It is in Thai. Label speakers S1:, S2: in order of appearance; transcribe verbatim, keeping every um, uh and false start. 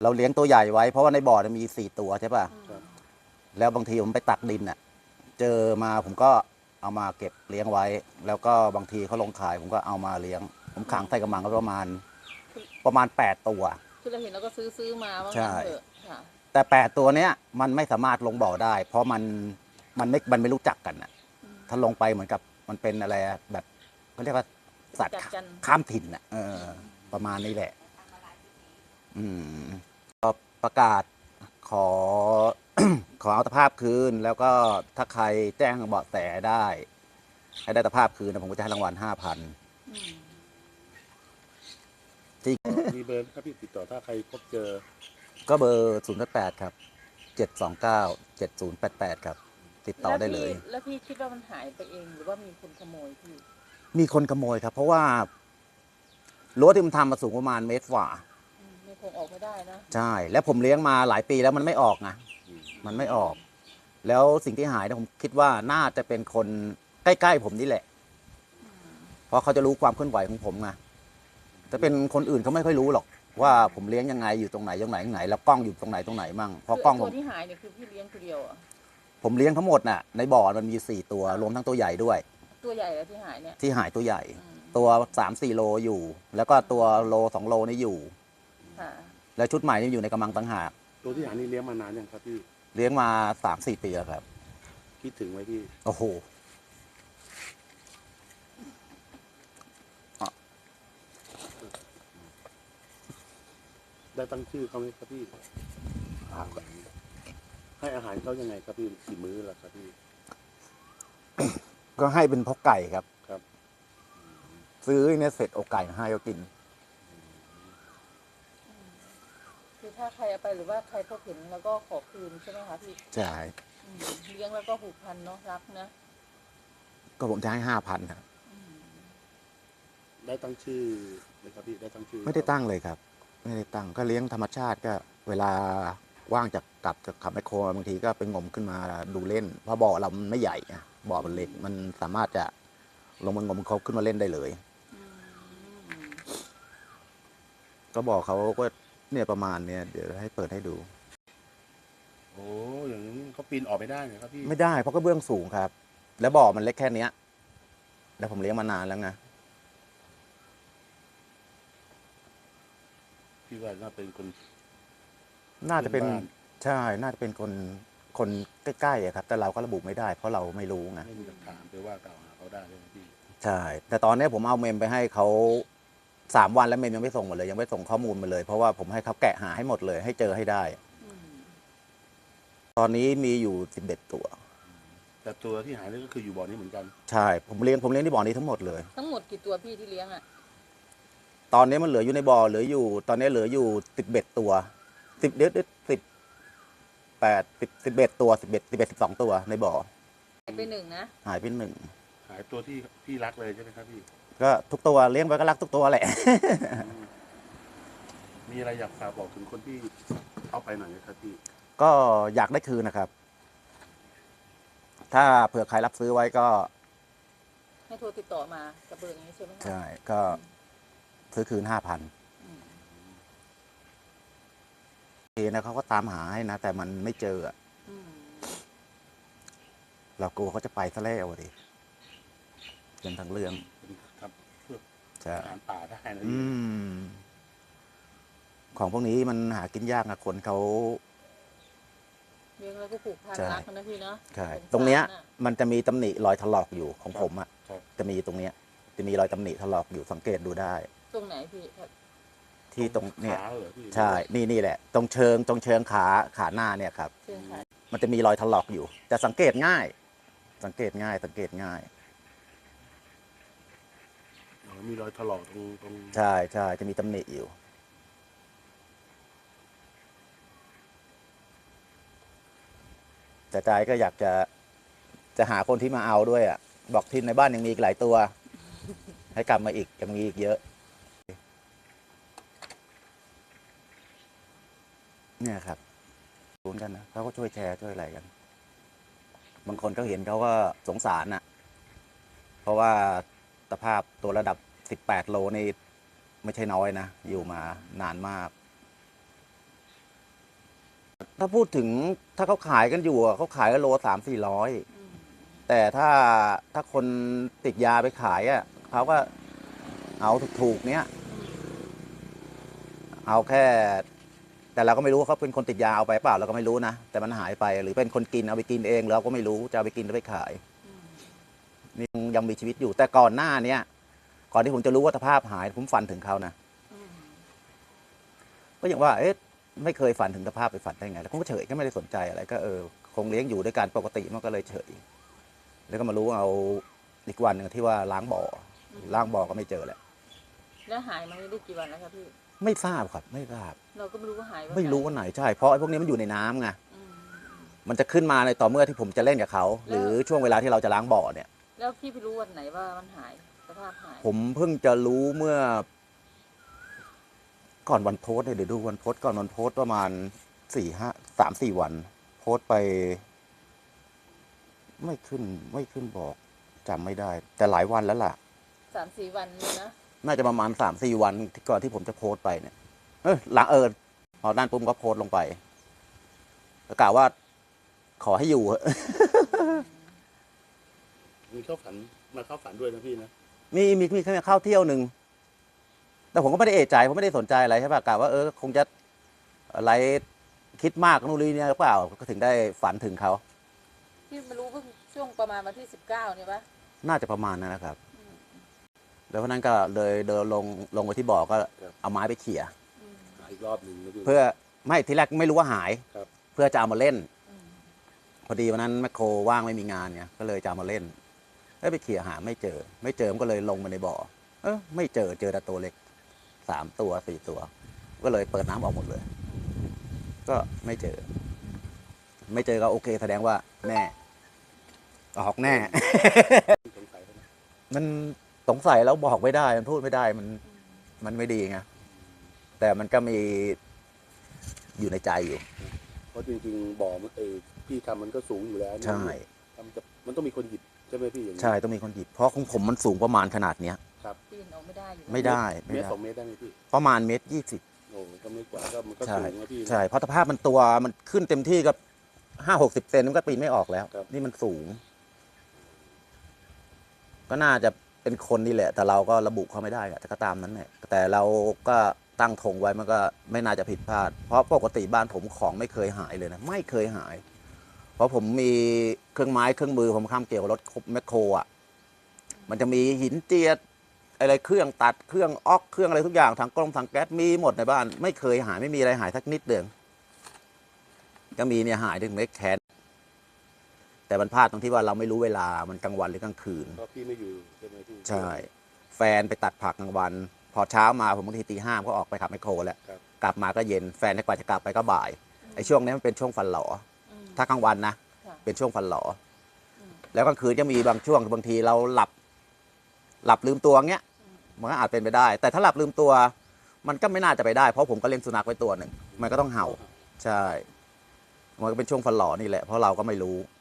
S1: เราเลี้ยงตัวใหญ่ไว้เพราะว่าในบ่อมีสี่ตัวใช่ป่ะแล้วบางทีผมไปตักดินอ่ะเจอมาผมก็เอามาเก็บเลี้ยงไว้ แล้วก็บางทีเขาลงขายผมก็เอามาเลี้ยงผมขังใส่กระมังก็ประมาณประมาณแปดตัว
S2: คือเราเห็นเราก็ซื้อซื้อมาว่างั้นเถอะค่ะ
S1: แต่แปดตัวเนี้ยมันไม่สามารถลงบ่อได้ เพราะมันมันไม่มันไม่รู้จักกันอ่ะถ้าลงไปเหมือนกับมันเป็นอะไรแบบเขาเรียกว่าสัตว์ข้ามถิ่นอ่ะเออประมาณนี้แหละอืมก็ประกาศขอ ขอเอาตะภาพคืนแล้วก็ถ้าใครแจ้งเบาะแสได้ให้ได้ตะภาพคืนนะผมก็จะให้รางวัลห้าพัน
S3: จริงมีเบอร์ครับพี่ติดต่อถ้าใครพบเจอ
S1: ก็เบอร์ศูนย์แปดครับเจ็ดสองเก้าเจ็ดศูนย์แปดแปดครับติดต่อได้เลย
S2: แล้วพี่คิดว่ามันหายไปเองหรือว่ามีคนขโมยพี่
S1: มีคนขโมยครับเพราะว่ารั้วที่มันทำมาสูงประมาณเมตรฝ่า
S2: ไม่คงออกไม่ได้นะ
S1: ใช่แล้วผมเลี้ยงมาหลายปีแล้วมันไม่ออกไงมันไม่ออกแล้วสิ่งที่หายนะผมคิดว่าน่าจะเป็นคนใกล้ๆผมนี่แหละเพราะเขาจะรู้ความเคลื่อนไหวของผมไงถ้าเป็นคนอื่นเขาไม่ค่อยรู้หรอกว่าผมเลี้ยงยังไงอยู่ตรงไหนตรงไหนตรงไหนแล้วกล้องอยู่ตรงไหนตรงไหนมั่งเพราะกล้อง
S2: ตัวที่หายเนี่ยคือพี่เลี้ยงตัวเดียวอ่ะ
S1: ผมเลี้ยงทั้งหมดน่ะในบ่อมันมีสี่ตัวรวมทั้งตัวใหญ่ด้วย
S2: ตัวใหญ่แล้วที่หายเนี่ย
S1: ที่หายตัวใหญ่ตัวสามสี่โลอยู่แล้วก็ตัวโลสองโลนี่อยู่แล้วชุดใหม่นี่อยู่ในกำลังตั้งหาก
S3: ตัวที่หายนี่เลี้ยงมานานยังครับพี่
S1: เลี้ยงมาสามสี่ปีแล้วครับ
S3: คิดถึงไหมพี่
S1: โอ้โห
S3: ได้ตั้งชื่อเขาไหมครับพี่ให้อาหารเขายังไงครับพี่กี่มื้อล่ะครับพี่
S1: ก็ให้เป็นพกไก่ครับ
S3: ครับ
S1: ซื้อเนี่ยเสร็จเอาไก่ให้เขากิน
S2: คือถ้าใครเอาไปหรือว่าใครพบเห็นแล้วก็ขอคืนใช่ไหมคะพี่
S1: ใช่
S2: เลี้ยงแล้วก็ผูกพันเนาะรักนะ
S1: ก็ผมจะให้ห้าพันครับ
S3: ได้ตั้งชื่อเลยครับพี่ได้ตั้งชื่อ
S1: ไม่ได้ตั้งเลยครับไม่ได้ตั้งก็เลี้ยงธรรมชาติก็เวลาว่างจากกลับจากขับไมโครบางทีก็ไปงมขึ้นมาดูเล่นเพราะบ่อเรามันไม่ใหญ่บ่อมันเล็กมันสามารถจะลงมางมเขาขึ้นมาเล่นได้เลยก็บอกเขาก็เนี่ยประมาณเนี่ยเดี๋ยวให้เปิดให้ดู
S3: โอ้อย่างนี้เขาปีนออกไม่ได้เหรอครับพี่
S1: ไม่ได้เพราะก็เบื้องสูงครับแล้วบ่อมันเล็กแค่เนี้ยแล้วผมเลี้ยงมานานแล้วไง
S3: พี่ว่าน่าเป็นคน
S1: น่าจะเป็นใช่น่าจะเป็นคนคนใกล้ๆครับแต่เราก็ระบุไม่ได้เพราะเราไม่รู้ไง
S3: ไม่มีหลักฐานไปว่ากล่าวหาเขาได้เลยพี่
S1: ใช่แต่ตอนนี้ผมเอาเมมไปให้เขาสามวันแล้วเมมยังไม่ส่งมาเลยยังไม่ส่งข้อมูลมาเลยเพราะว่าผมให้เขาแกะหาให้หมดเลยให้เจอให้ได้ตอนนี้มีอยู่สิบเอ็ดตัว
S3: แต่ตัวที่หายนี่ก็คืออยู่บ่อนี้เหมือนกัน
S1: ใช่ผมเลี้ยงผมเลี้ยงที่บ่อนี้ทั้งหมดเลย
S2: ทั้งหมดกี่ตัวพี่ที่เลี้ยงอ่ะ
S1: ตอนนี้มันเหลืออยู่ในบ่อเหลืออยู่ ตอนนี้เหลืออยู่สิบเอ็ดตัวสิบเด็ดสิบแปดสิบสิบเอ็ดตัวสิบเอ็ดสิบเอ็ดสิบสองตัวในบ่อ
S2: หายไปหนึ่งนะ
S1: หายไปหนึ่ง
S3: หายตัวที่พี่รักเลยใช่ไหมครับพี่
S1: ก็ทุกตัวเลี้ยงไว้ก็รักทุกตัวแหละ
S3: มีอะไรอยากฝากบอกถึงคนที่เอาไปหน่อยไหมครับพี่
S1: ก็อยากได้คืนนะครับถ้าเผื่อใครรับซื้อไว้ก็
S2: ให้โทรติดต่อมากับเบอร์นี้ใช่ไหม
S1: ใช่ก็ซื้อคืนห้าพันทีนะเขาก็ตามหาให้นะแต่มันไม่เจออ่ะเรากลัวเขาจะไปซะแล้วดิเป็นทางเรื่อง
S3: ครับเพื่อ
S1: จะ
S3: อาหารป่าได้นะ
S1: ของพวกนี้มันหากินยากนะคนเขา
S2: เลี้ยงแล้วก็ผูกพันรักนะพี่เนาะ
S1: ใช่ตรงเนี้ยมันจะมีตำหนิรอยถลอกอยู่ของผมอ่ะจะมีตรงเนี้ยจะมีรอยตำหนิถลอกอยู่สังเกตดูได้
S2: ตรงไหนพี่
S1: ที่ตรงเนี่ยใช่นี่นี่แหละตรงเชิงตรงเชิงขาขาหน้าเนี่ยครับมันจะมีรอยถลอกอยู่แต่สังเกตง่ายสังเกตง่ายสังเกตง่าย
S3: มีรอยถลอกตรงตรง
S1: ใช่ใช่จะมีตำหนิอยู่แต่ใจก็อยากจะจะหาคนที่มาเอาด้วยอ่ะบอกที่ในบ้านยังมีอีกหลายตัวให้กลับมาอีกยังมีอีกเยอะเนี่ยครับรู้กันนะเขาก็ช่วยแชร์ช่วยอะไรกันบางคนเขาเห็นเขาก็สงสารน่ะเพราะว่าสภาพตัวระดับสิบแปดโลนี่ไม่ใช่น้อยนะอยู่มานานมากถ้าพูดถึงถ้าเขาขายกันอยู่อะเขาขายกันโลสามสี่ร้อย
S2: อืม
S1: แต่ถ้าถ้าคนติดยาไปขายอ่ะเขาก็เอาถูกๆเนี้ย เอาแค่ แต่เราก็ไม่รู้ว่าเขาเป็นคนติดยาเอาไปเปล่าเราก็ไม่รู้นะแต่มันหายไปหรือเป็นคนกินเอาไปกินเองเราก็ไม่รู้จะเอาไปกินหรือไปขาย
S2: อืม
S1: นี่ยังมีชีวิตอยู่ แต่ก่อนหน้าเนี้ยก่อนที่ผมจะรู้ว่าสภาพหายผมฝันถึงเขานะ
S2: อืม
S1: ก็อย่างว่าเอ๊ะไม่เคยฝันถึงสภาพไปฝันได้ไงแล้วผมก็เฉยก็ไม่ได้สนใจอะไรก็เออคงเลี้ยงอยู่ด้วยกันปกติมันก็เลยเฉยแล้วก็มารู้เอาอีกวันหนึ่งที่ว่าล้างบ่อล้างบ่อก็ไม่เจอแหละ
S2: แล้วหายมาได้กี่วันแล้วครับพี่
S1: ไม่ทราบครับไม่ทราบ
S2: เราก็ไม่รู้ว่าหายวัน
S1: ไม่รู้ว่าไหนใช่เพราะไอ้พวกนี้มันอยู่ในน้ำไง
S2: อืม
S1: มันจะขึ้นมาในต่อเมื่อที่ผมจะเล่นกับเขา หรือช่วงเวลาที่เราจะล้างบ่อเนี่ย
S2: แล้วพี่ไปรู้วันไหนว่ามันหายสภาพหาย
S1: ผมเพิ่งจะรู้เมื่อ ก่อนวันโพสต์เนี่ยเดี๋ยวดูวันโพสต์ก่อนวันโพสต์ประมาณสี่ห้าสามสี่วัน โพสต์ไป ไม่ขึ้นไม่ขึ้นบอกจำไม่ได้ แต่หลายวันแล้วล่ะ
S2: สามสี่วันเลยนะ
S1: น่าจะประมาณสามสี่วันที่ก่อนที่ผมจะโพสต์ไปเนี่ย เออหลังเออพอด้านปุ๊บก็โพสต์ลงไปแล้วกล่าวว่า ขอให้อยู่
S3: มีเข้าฝันมาเข้าฝันด้วยนะพี่นะ
S1: มีมีมีแค่เข้าเที่ยวหนึ่งแต่ผมก็ไม่ได้เอะใจผมไม่ได้สนใจอะไรใช่ป่ะกะว่าเออคงจะอะไรคิดมากนู่นนี่เนี่ยหรือเปล่าก็ถึงได้ฝันถึงเขา
S2: พี่มารู้เพิ่งช่วงประมาณวันที่สิบเก้าเนี่ยปะ
S1: น่าจะประมาณนั้นนะครับ
S2: อืม
S1: แล้วเพราะนั้นก็เลยเดินลงลงไปที่บ่อก็เอาไม้ไปเขี่ย
S2: อืม
S3: หาอีกรอบหนึ่งนะพี่
S1: เพื่อไม่ทีแรกไม่รู้ว่าหาย
S3: ครับ
S1: เพื่อจะเอามาเล่น
S2: อืม
S1: พอดีวันนั้นแมคโครว่างไม่มีงานเนี่ยก็เลยจะเอามาเล่นแล้วไปเขี่ยหาไม่เจอ ไม่เจอมันก็เลยลงมาในบ่อเออไม่เจอเจอแต่ตัวเล็กสามตัวสี่ตัว ก็เลยเปิดน้ำออกหมดเลย ก็ไม่เจอ ไม่เจอก็โอเค แสดงว่าแน่ออกแน่
S3: สงสัยเขานะ
S1: มันสงสัยแล้วบอกไม่ได้มันพูดไม่ได้มันมันไม่ดีไงแต่มันก็มีอยู่ในใจอยู่
S3: เพราะจริงๆบ่อมันเออพี่ทำมันก็สูงอยู่แล้วนะ
S1: ใช่
S3: ทำจะมันต้องมีคนหยิบใช่ไหมพี่อย่างนี้
S1: ใช่ต้องมีคนหยิบเพราะของผมมันสูงประมาณขนาดเนี้ย
S2: ปีนออกไม่ได้อยู่
S1: ไม่ได้ไม่
S3: เมตร
S1: ได้
S3: สองเมตรได้ไหมพี่
S1: ประมาณเมตรยี่สิบ
S3: โอ้ก็ไม่กว่าก็มันก็
S1: ใช่
S3: สูงนะพี่นะ
S1: ใช่เพราะสภาพมันตัวมันขึ้นเต็มที่ก็ห้าหกสิบเซนมันก็ปีนไม่ออกแล้ว
S3: ครับ
S1: นี่มันสูง ก็น่าจะเป็นคนนี่แหละ แต่เราก็ระบุเขาไม่ได้อะแต่ก็ตามนั้นแหละแต่เราก็ตั้งธงไว้มันก็ไม่น่าจะผิดพลาด เพราะปกติบ้านผมของไม่เคยหายเลยนะไม่เคยหาย เพราะผมมีเครื่องไม้เครื่องมือผมข้ามเกี่ยวกับรถแมคโครอ่ะมันจะมีหินเจียดอะไรเครื่องตัดเครื่องออกเครื่องอะไรทุกอย่างถังกล้องถังแก๊สมีหมดในบ้าน ไม่เคยหายไม่มีอะไรหายสักนิดเดียวก็มีเนี่ยหายถึงเล็กแขนแต่มันพลาดตรงที่ว่าเราไม่รู้เวลามันกลางวันหรือกลางคืน
S3: เพราะพี่ไม่อยู่ใช่ไหมพี่
S1: ใช่ แฟนไปตัดผักกลางวัน พอเช้ามาผมบางทีตีห้าก็ออกไปขับไมคโครแล้ว
S3: ครับ
S1: กลับมาก็เย็นแฟนกว่าจะกลับไปก็บ่ายไอ้ช่วงนี้มันเป็นช่วงฟันหลอ
S2: อืม
S1: ถ้ากลางวันนะ
S2: ค่ะ
S1: เป็นช่วงฟันหลอ
S2: อืม
S1: แล้วกลางคืนจะมีบางช่วงบางทีเราหลับ หลับลืมตัวเงี้ย
S2: อืม
S1: มันก็อาจเป็นไปได้ แต่ถ้าหลับลืมตัว มันก็ไม่น่าจะไปได้ เพราะผมก็เลี้ยงสุนัขไว้ตัวหนึ่งมันก็ต้องเห่า ใช่ มันก็เป็นช่วงฟันหลอนี่แหละเพราะเราก็ไม่รู้
S2: อ